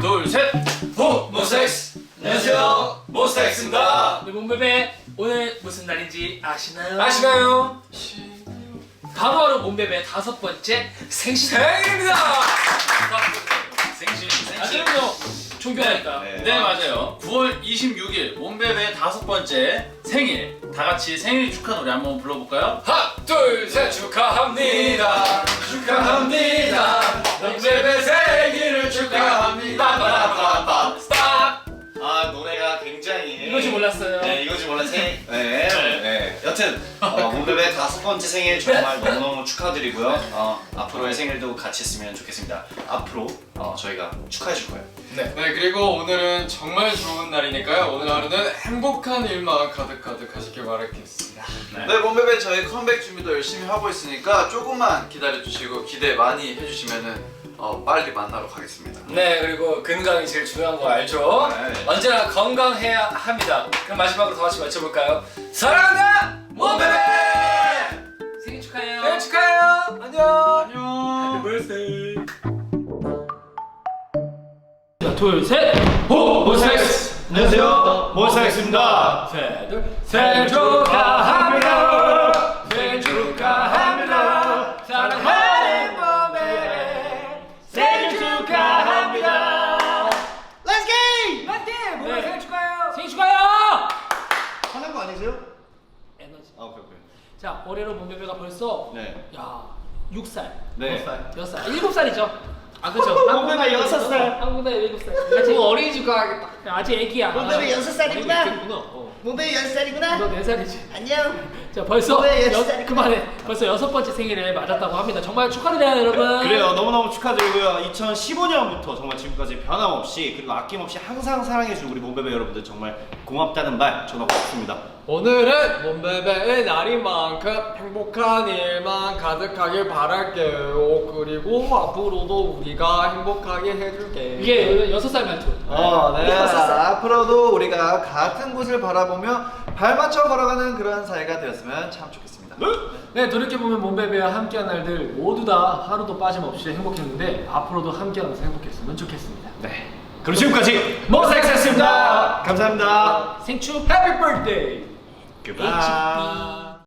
둘, 셋! 몬스타엑스! 안녕하세요, 몬스타엑스입니다. 우리 몬베베 오늘 무슨 날인지 아시나요? 아시나요? 바로 몬베베 5번째 생신 생일입니다! 생신. 아시죠? 존경하니까. 네, 맞아요. 9월 26일 몬베베 5번째 생일. 다 같이 생일 축하 노래 한번 불러볼까요? 하나, 둘, 셋! 축하합니다! 축하합니다! 몬베베 생일을 축하합니다! 빠바바바 스탑! 아, 노래가 굉장히 이거지 몰랐어요. 네, 이거지 몰랐어요. 네. 여튼 몬베베 5번째 생일 정말 너무너무 축하드리고요. 앞으로의 생일도 같이 했으면 좋겠습니다. 앞으로 저희가 축하해 줄 거예요. 네, 그리고 오늘은 정말 좋은 날이니까요. 오늘 하루는 행복한 일만 가득가득 하시길 바라겠습니다. 네, 몬베베 저희 컴백 준비도 열심히 하고 있으니까 조금만 기다려주시고 기대 많이 해주시면은 빨리 만나러 가겠습니다. 네, 그리고 건강이 제일 중요한 거 알죠? 네. 언제나 건강해야 합니다. 그럼 마지막으로 다 같이 외쳐볼까요? 사랑한다! 몬베베! 생일 축하해요. 생일 축하해요! 안녕! 안녕. birthday. 자, 둘, 셋! 호! 몬스타엑스! 안녕하세요, 몬스타엑스입니다. 셋, 둘, 생일 축하합니다! 생일 축하합니다! 사랑하는 몬베베! 생일 축하합니다! Let's game! 맞게! 몬베베 네. 생일 축하해요! 생일 축하해요! 화난 거 아니세요? 에너지. 오케이. 자, 올해로 몬베베가 벌써 네. 야 6살, 네. 6살, 7살이죠? 아 그죠? 몬베베 6살. 한국에 7살. 아직 어린이집 가야겠다. 아직 애기야. 몬베베 6살이구나. 몬베베 6살이구나. 너 4살이지. 안녕. 자 벌써 몬베베 6살이구나. 그만해. 벌써 6번째 생일을 맞았다고 합니다. 정말 축하드려요, 여러분. 그래요. 너무너무 축하드리고요. 2015년부터 정말 지금까지 변함없이 그리고 아낌없이 항상 사랑해준 우리 몬베베 여러분들 정말 고맙다는 말 전하고 싶습니다. 오늘은 몬베베의 날인 만큼 행복한 일만 가득하길 바랄게요. 그리고 앞으로도 우리가 행복하게 해줄게. 이게 6살 말투. 네. 앞으로도 우리가 같은 곳을 바라보며 발맞춰 걸어가는 그런 사이가 되었으면 참 좋겠습니다. 네, 돌이켜보면 몬베베와 함께한 날들 모두 다 하루도 빠짐없이 행복했는데 앞으로도 함께하면서 행복했으면 좋겠습니다. 네. 그럼 지금까지 몬스타엑스였습니다. 감사합니다. 생축 해피 birthday. Goodbye.